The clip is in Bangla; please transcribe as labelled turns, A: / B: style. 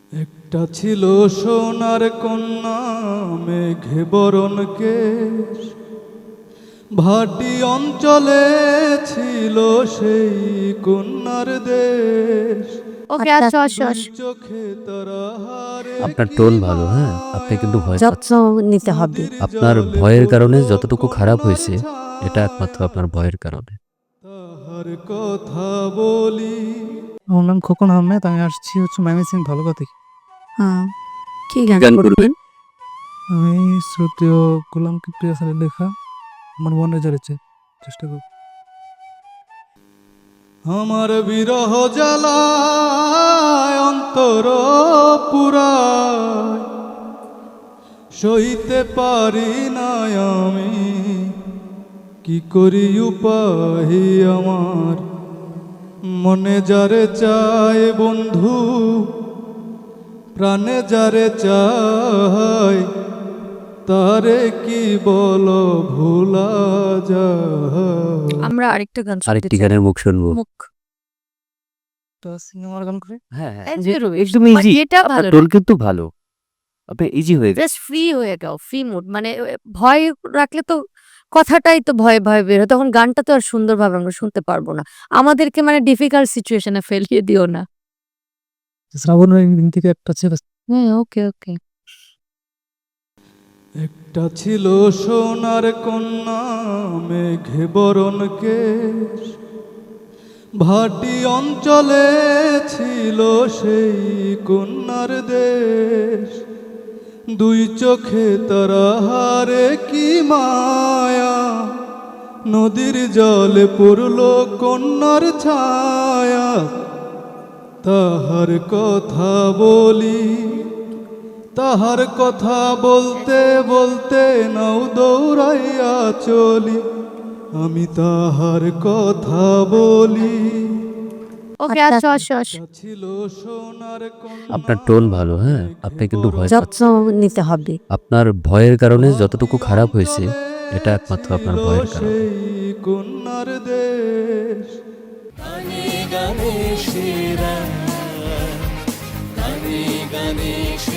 A: একটা ছিল সোনার কন্যা মেঘে বরণ কেশ, ভাটি অঞ্চলে ছিল সেই কন্যার দেশ।
B: ওকে আচ্ছা আচ্ছা
A: চোখে তারা হারে
C: আপনার টোন ভালো, হ্যাঁ, আপনি কিন্তু ভয়
B: যত্ন নিতে হবে।
C: আপনার ভয়ের কারণে যতটুকু খারাপ হয়েছে এটা একমাত্র আপনার ভয়ের কারণে।
A: তাহার কথা বলি।
D: আমার নাম খোকন আহমেদ, আমি আসছি হচ্ছে ময়মনসিংহ ভালুকা থেকে।
B: হ্যাঁ, কি গান
C: গান
B: করবেন?
D: আমি শ্রুতীয় গোলাম কিবরিয়া স্যারের লেখা আমার মনে জড়েছে চেষ্টা করব।
A: আমার বিরহ জ্বালায় অন্তর পুরায়, সইতে পারি না আমি, কি করি উপায় আমার। মনে যারে চায় বন্ধু, প্রাণে যারে চায়, তারে কি বলো ভোলা যায়।
B: আমরা আরেকটা গান শুনতে
C: আরেকটি
B: চাই।
C: গানের মুখ শুনবো।
B: মুখ
D: তা সিনেমার গান করে
C: হ্যাঁ,
B: একদম
C: একদম
B: But
C: ইজি।
B: এটা
C: আপনার
B: ভালো
C: টোন কিন্তু ভালো, আপনি ইজি হয়ে
B: জাস্ট ফ্রি হয়ে যাও, ফ্রি মুড। মানে ভয় রাখলে তো কথাটাই তো ভয়ে ভয়ে বের হয়, তখন গানটা তো আর সুন্দরভাবে আমরা শুনতে পারবো না। আমাদেরকে মানে ডিফিকাল্ট সিচুয়েশনে ফেলিয়ে দিও না।
D: শ্রাবণের দিন থেকে একটা ছেলে
B: হ্যাঁ, ওকে ওকে।
A: একটা ছিল সোনার কন্যা মেঘে বরণ কেশ, ভাটি অঞ্চলে ছিল সেই কন্যার দেশ। দুই চোখে তারা হারে কি মায়া, নদীর জলে পড়ল কন্যার ছায়া। তাহার কথা বলি, তাহার কথা বলতে বলতে নাও দৌড়াইয়া চলি, আমি তাহার কথা বলি।
B: ওকে আচ্ছা আচ্ছা
A: ছিল সোনার কন্যা।
C: আপনার টোন ভালো, হ্যাঁ, আপনি কিন্তু ভয়
B: যত্ন নিতে হবে।
C: আপনার ভয়ের কারণে যতটুকু খারাপ হয়েছে এটা একমাত্র আপনার ভয়ের কারণে।
A: সেই কন্যার দেশ।
E: গানে গানে সেরা, গানে গানে সেরা।